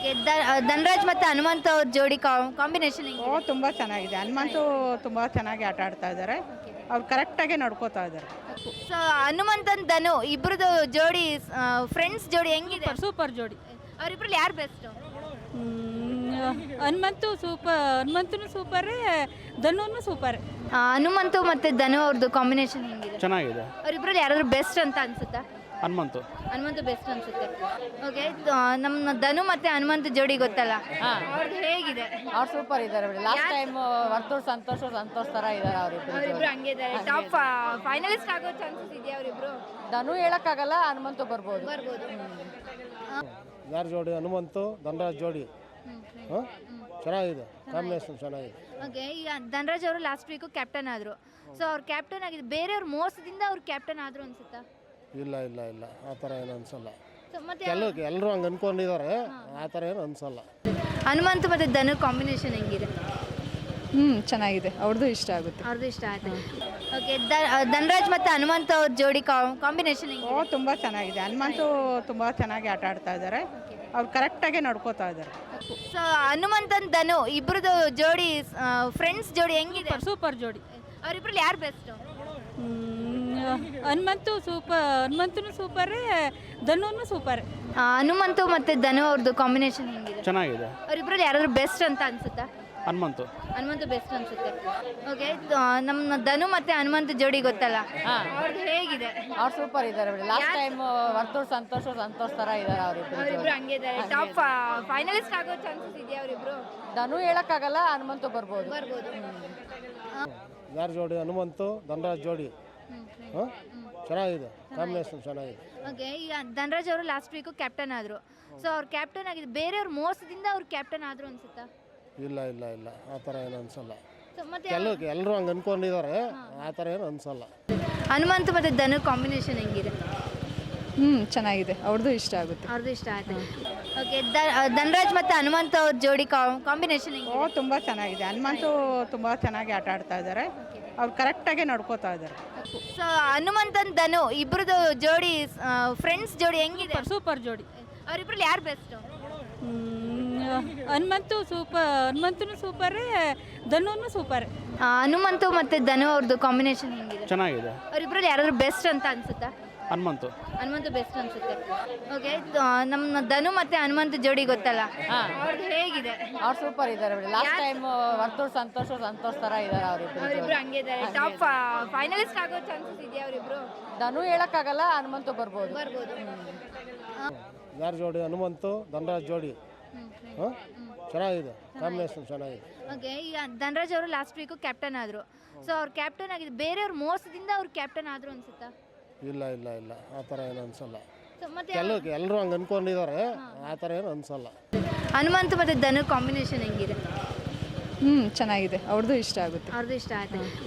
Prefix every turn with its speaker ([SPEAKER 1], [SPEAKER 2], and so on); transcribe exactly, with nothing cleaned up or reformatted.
[SPEAKER 1] Okay Dhanraj ಮತ್ತು ಹನುಮಂತ್ ಅವ್ರ ಜೋಡಿ ಕಾಂಬಿನೇಷನ್
[SPEAKER 2] ಓ ತುಂಬ ಚೆನ್ನಾಗಿದೆ. ಹನುಮಂತು ತುಂಬ ಚೆನ್ನಾಗಿ ಆಟ ಆಡ್ತಾ ಇದ್ದಾರೆ. ಅವ್ರು ಕರೆಕ್ಟಾಗಿ ನಡ್ಕೋತಾ ಇದ್ದಾರೆ.
[SPEAKER 1] ಸೊ ಹನುಮಂತನ್ ಧನು ಇಬ್ರದ್ದು ಜೋಡಿ ಫ್ರೆಂಡ್ಸ್ ಜೋಡಿ ಹೆಂಗಿದೆ?
[SPEAKER 3] ಸೂಪರ್ ಜೋಡಿ.
[SPEAKER 1] ಅವರಿಬ್ರಲ್ಲಿ ಯಾರು ಬೆಸ್ಟ್?
[SPEAKER 3] ಹನುಮಂತು ಸೂಪರ್, ಹನುಮಂತನು ಸೂಪರ್, ಧನುನು ಸೂಪರ್.
[SPEAKER 1] ಹನುಮಂತು ಮತ್ತು ಧನು ಅವ್ರದ್ದು ಕಾಂಬಿನೇಷನ್ ಹೆಂಗಿದೆ?
[SPEAKER 4] ಚೆನ್ನಾಗಿದೆ.
[SPEAKER 1] ಅವರಿಬ್ರಲ್ಲಿ ಯಾರಾದ್ರೂ ಬೆಸ್ಟ್ ಅಂತ ಅನ್ಸುತ್ತಾ?
[SPEAKER 4] ಹನುಮಂತು
[SPEAKER 1] ಹನುಮಂತು ಬೆಸ್ಟ್ ಅನ್ಸುತ್ತೆ. ಓಕೆ ನಮ್ಮ ಧನು ಮತ್ತೆ ಹನುಮಂತ ಜೋಡಿ ಗೊತ್ತಲ್ಲ, ಅವ್ರದ್ದು ಹೇಗಿದೆ?
[SPEAKER 5] ಅವ್ರು ಸೂಪರ್ ಇದ್ದಾರೆ ಬಿಡಿ. ಲಾಸ್ಟ್ ಟೈಮ್ ವರ್ತೂರ್ ಸಂತೋಷ ಸಂತೋಷ್ ತರ ಇದ್ದಾರೆ ಅವರಿಬ್ರು.
[SPEAKER 1] ಅವರಿಬ್ರು ಹಂಗೆ ಇದ್ದಾರೆ. ಟಾಪ್ ಫೈನಲಿಸ್ಟ್ ಆಗೋ ಚಾನ್ಸಸ್ ಇದೆಯಾ ಅವರಿಬ್ರು?
[SPEAKER 5] ಧನು ಹೇಳಕ್ಕಾಗಲ್ಲ, ಹನುಮಂತು ಬರ್ಬೋದು.
[SPEAKER 1] ಬರ್ಬೋದು.
[SPEAKER 6] ಯಾರ ಜೋಡಿ? ಹನುಮಂತು ಧನರಾಜ್ ಜೋಡಿ ಹಾಂ ಚೆನ್ನಾಗಿದೆ, ಕಾಂಬಿನೇಷನ್ ಚೆನ್ನಾಗಿದೆ.
[SPEAKER 1] ಓಕೆ ಈಗ ಧನರಾಜ್ ಅವರು ಲಾಸ್ಟ್ ವೀಕು ಕ್ಯಾಪ್ಟನ್ ಆದರು. ಸೊ ಅವ್ರು ಕ್ಯಾಪ್ಟನ್ ಆಗಿದೆ, ಬೇರೆಯವ್ರ ಮೋಸದಿಂದ ಅವ್ರು ಕ್ಯಾಪ್ಟನ್ ಆದರು ಅನ್ಸುತ್ತಾ?
[SPEAKER 6] ಇಲ್ಲ ಇಲ್ಲ ಇಲ್ಲ ಆ ಥರ ಏನು ಅನ್ಸಲ್ಲ.
[SPEAKER 1] ಸೊ ಮತ್ತೆ
[SPEAKER 6] ಕೆಲವು ಎಲ್ಲರೂ ಹಂಗೆ ಅನ್ಕೊಂಡಿದ್ದಾರೆ, ಆ ಥರ ಏನು ಅನ್ಸಲ್ಲ.
[SPEAKER 1] ಹನುಮಂತ ಮತ್ತು ಧನು ಕಾಂಬಿನೇಷನ್ ಹೆಂಗಿದೆ?
[SPEAKER 3] ಹ್ಞೂ ಚೆನ್ನಾಗಿದೆ, ಅವ್ರದ್ದು ಇಷ್ಟ ಆಗುತ್ತೆ.
[SPEAKER 1] ಅವ್ರದ್ದು ಇಷ್ಟ ಆಯ್ತು. ಓಕೆ ಧನರಾಜ್ ಮತ್ತು ಹನುಮಂತ ಅವ್ರ ಜೋಡಿ ಕಾಂಬಿನೇಷನ್
[SPEAKER 2] ಓ
[SPEAKER 1] ಹೆಂಗಿದೆ?
[SPEAKER 2] ತುಂಬ ಚೆನ್ನಾಗಿದೆ. ಹನುಮಂತು ತುಂಬ ಚೆನ್ನಾಗಿ ಆಟ ಆಡ್ತಾ ಇದ್ದಾರೆ. ಅವ್ರು ಕರೆಕ್ಟಾಗಿ ನಡ್ಕೋತಾ ಇದ್ದಾರೆ.
[SPEAKER 1] ಸೊ ಹನುಮಂತನ್ ಧನು ಇಬ್ರದ್ದು ಜೋಡಿ ಫ್ರೆಂಡ್ಸ್ ಜೋಡಿ ಹೆಂಗಿದೆ?
[SPEAKER 3] ಸೂಪರ್ ಜೋಡಿ.
[SPEAKER 1] ಅವರಿಬ್ರಲ್ಲಿ ಯಾರು ಬೆಸ್ಟ್?
[SPEAKER 3] ಹನುಮಂತು ಸೂಪರ್, ಹನುಮಂತನು ಸೂಪರ್, ಧನುನು ಸೂಪರ್.
[SPEAKER 1] ಹನುಮಂತು ಮತ್ತು ಧನು ಅವ್ರದ್ದು ಕಾಂಬಿನೇಷನ್ ಹೆಂಗಿದೆ?
[SPEAKER 4] ಚೆನ್ನಾಗಿದೆ.
[SPEAKER 1] ಅವರಿಬ್ರಲ್ಲಿ ಯಾರಾದ್ರೂ ಬೆಸ್ಟ್ ಅಂತ ಅನ್ಸುತ್ತಾ?
[SPEAKER 4] ಹನುಮಂತು
[SPEAKER 1] ಹನುಮಂತು ಬೆಸ್ಟ್ ಅನ್ಸುತ್ತೆ. ಓಕೆ ನಮ್ಮ ಧನು ಮತ್ತೆ ಹನುಮಂತ ಜೋಡಿ ಗೊತ್ತಲ್ಲ, ಅವ್ರದ್ದು ಹೇಗಿದೆ?
[SPEAKER 5] ಅವ್ರು ಸೂಪರ್ ಇದ್ದಾರೆ ಬಿಡಿ. ಲಾಸ್ಟ್ ಟೈಮ್ ವರ್ತೂರ್ ಸಂತೋಷ ಸಂತೋಷ್ ತರ ಇದ್ದಾರೆ ಅವರಿಬ್ರು.
[SPEAKER 1] ಅವರಿಬ್ರು ಹಂಗೆ ಇದ್ದಾರೆ. ಟಾಪ್ ಫೈನಲಿಸ್ಟ್ ಆಗೋ ಚಾನ್ಸಸ್ ಇದೆಯಾ ಅವರಿಬ್ರು?
[SPEAKER 5] ಧನು ಹೇಳಕ್ಕಾಗಲ್ಲ, ಹನುಮಂತು ಬರ್ಬೋದು.
[SPEAKER 1] ಬರ್ಬೋದು.
[SPEAKER 6] ಯಾರ ಜೋಡಿ? ಹನುಮಂತು ಧನರಾಜ್ ಜೋಡಿ ಹಾಂ ಚೆನ್ನಾಗಿದೆ, ಕಾಂಬಿನೇಷನ್ ಚೆನ್ನಾಗಿದೆ.
[SPEAKER 1] ಓಕೆ ಈಗ ಧನರಾಜ್ ಅವರು ಲಾಸ್ಟ್ ವೀಕು ಕ್ಯಾಪ್ಟನ್ ಆದರು. ಸೊ ಅವ್ರು ಕ್ಯಾಪ್ಟನ್ ಆಗಿದೆ, ಬೇರೆಯವ್ರ ಮೋಸದಿಂದ ಅವ್ರು ಕ್ಯಾಪ್ಟನ್ ಆದರು ಅನ್ಸುತ್ತಾ?
[SPEAKER 6] ಇಲ್ಲ ಇಲ್ಲ ಇಲ್ಲ ಆ ಥರ ಏನು ಅನ್ಸಲ್ಲ.
[SPEAKER 1] ಸೊ ಮತ್ತೆ
[SPEAKER 6] ಕೆಲವು ಎಲ್ಲರೂ ಹಂಗೆ ಅನ್ಕೊಂಡಿದ್ದಾರೆ, ಆ ಥರ ಏನು ಅನ್ಸಲ್ಲ.
[SPEAKER 1] ಹನುಮಂತ ಮತ್ತು ಧನು ಕಾಂಬಿನೇಷನ್ ಹೆಂಗಿದೆ?
[SPEAKER 3] ಹ್ಞೂ ಚೆನ್ನಾಗಿದೆ, ಅವ್ರದ್ದು ಇಷ್ಟ ಆಗುತ್ತೆ.
[SPEAKER 1] ಅವ್ರದ್ದು ಇಷ್ಟ ಆಯ್ತು. ಓಕೆ ಧನರಾಜ್ ಮತ್ತು ಹನುಮಂತ ಅವ್ರ ಜೋಡಿ ಕಾಂಬಿನೇಷನ್
[SPEAKER 2] ಓ
[SPEAKER 1] ಹೆಂಗಿದೆ?
[SPEAKER 2] ತುಂಬ ಚೆನ್ನಾಗಿದೆ. ಹನುಮಂತು ತುಂಬ ಚೆನ್ನಾಗಿ ಆಟ ಆಡ್ತಾ ಇದ್ದಾರೆ. ಅವ್ರು ಕರೆಕ್ಟಾಗಿ ನಡ್ಕೋತಾ ಇದ್ದಾರೆ.
[SPEAKER 1] ಸೊ ಹನುಮಂತನ್ ಧನು ಇಬ್ರದ್ದು ಜೋಡಿ ಫ್ರೆಂಡ್ಸ್ ಜೋಡಿ ಹೆಂಗಿದೆ?
[SPEAKER 3] ಸೂಪರ್ ಜೋಡಿ.
[SPEAKER 1] ಅವರಿಬ್ರಲ್ಲಿ ಯಾರು ಬೆಸ್ಟ್?
[SPEAKER 3] ಹನುಮಂತು ಸೂಪರ್, ಹನುಮಂತನು ಸೂಪರ್, ಧನುನು ಸೂಪರ್.
[SPEAKER 1] ಹನುಮಂತು ಮತ್ತು ಧನು ಅವ್ರದ್ದು ಕಾಂಬಿನೇಷನ್ ಹೆಂಗಿದೆ?
[SPEAKER 4] ಚೆನ್ನಾಗಿದೆ.
[SPEAKER 1] ಅವರಿಬ್ರಲ್ಲಿ ಯಾರಾದ್ರೂ ಬೆಸ್ಟ್ ಅಂತ ಅನ್ಸುತ್ತಾ?
[SPEAKER 4] ಹನುಮಂತು
[SPEAKER 1] ಹನುಮಂತು ಬೆಸ್ಟ್ ಅನ್ಸುತ್ತೆ. ಓಕೆ ನಮ್ಮ ಧನು ಮತ್ತೆ ಹನುಮಂತ ಜೋಡಿ ಗೊತ್ತಲ್ಲ, ಅವ್ರದ್ದು ಹೇಗಿದೆ?
[SPEAKER 5] ಅವ್ರು ಸೂಪರ್ ಇದ್ದಾರೆ ಬಿಡಿ. ಲಾಸ್ಟ್ ಟೈಮ್ ವರ್ತೂರ್ ಸಂತೋಷ ಸಂತೋಷ್ ತರ ಇದ್ದಾರೆ ಅವರಿಬ್ರು.
[SPEAKER 1] ಅವರಿಬ್ರು ಹಂಗೆ ಇದ್ದಾರೆ. ಟಾಪ್ ಫೈನಲಿಸ್ಟ್ ಆಗೋ ಚಾನ್ಸಸ್ ಇದೆಯಾ ಅವರಿಬ್ರು?
[SPEAKER 5] ಧನು ಹೇಳಕ್ಕಾಗಲ್ಲ, ಹನುಮಂತು ಬರ್ಬೋದು.
[SPEAKER 1] ಬರ್ಬೋದು.
[SPEAKER 6] ಯಾರ ಜೋಡಿ? ಹನುಮಂತು ಧನರಾಜ್ ಜೋಡಿ ಹಾಂ ಚೆನ್ನಾಗಿದೆ, ಕಾಂಬಿನೇಷನ್ ಚೆನ್ನಾಗಿದೆ.
[SPEAKER 1] ಓಕೆ ಈಗ ಧನರಾಜ್ ಅವರು ಲಾಸ್ಟ್ ವೀಕು ಕ್ಯಾಪ್ಟನ್ ಆದರು. ಸೊ ಅವ್ರು ಕ್ಯಾಪ್ಟನ್ ಆಗಿದೆ, ಬೇರೆಯವ್ರ ಮೋಸದಿಂದ ಅವ್ರು ಕ್ಯಾಪ್ಟನ್ ಆದರು ಅನ್ಸುತ್ತಾ?
[SPEAKER 6] ಇಲ್ಲ ಇಲ್ಲ ಇಲ್ಲ ಆ ಥರ ಏನು ಅನ್ಸಲ್ಲ.
[SPEAKER 1] ಸೊ ಮತ್ತೆ
[SPEAKER 6] ಕೆಲವು ಎಲ್ಲರೂ ಹಂಗೆ ಅನ್ಕೊಂಡಿದ್ದಾರೆ, ಆ ಥರ ಏನು ಅನ್ಸಲ್ಲ.
[SPEAKER 1] ಹನುಮಂತ ಮತ್ತು ಧನು ಕಾಂಬಿನೇಷನ್ ಹೆಂಗಿದೆ?
[SPEAKER 3] ಹ್ಞೂ ಚೆನ್ನಾಗಿದೆ, ಅವ್ರದ್ದು ಇಷ್ಟ ಆಗುತ್ತೆ.
[SPEAKER 1] ಅವ್ರದ್ದು ಇಷ್ಟ ಆಯ್ತು.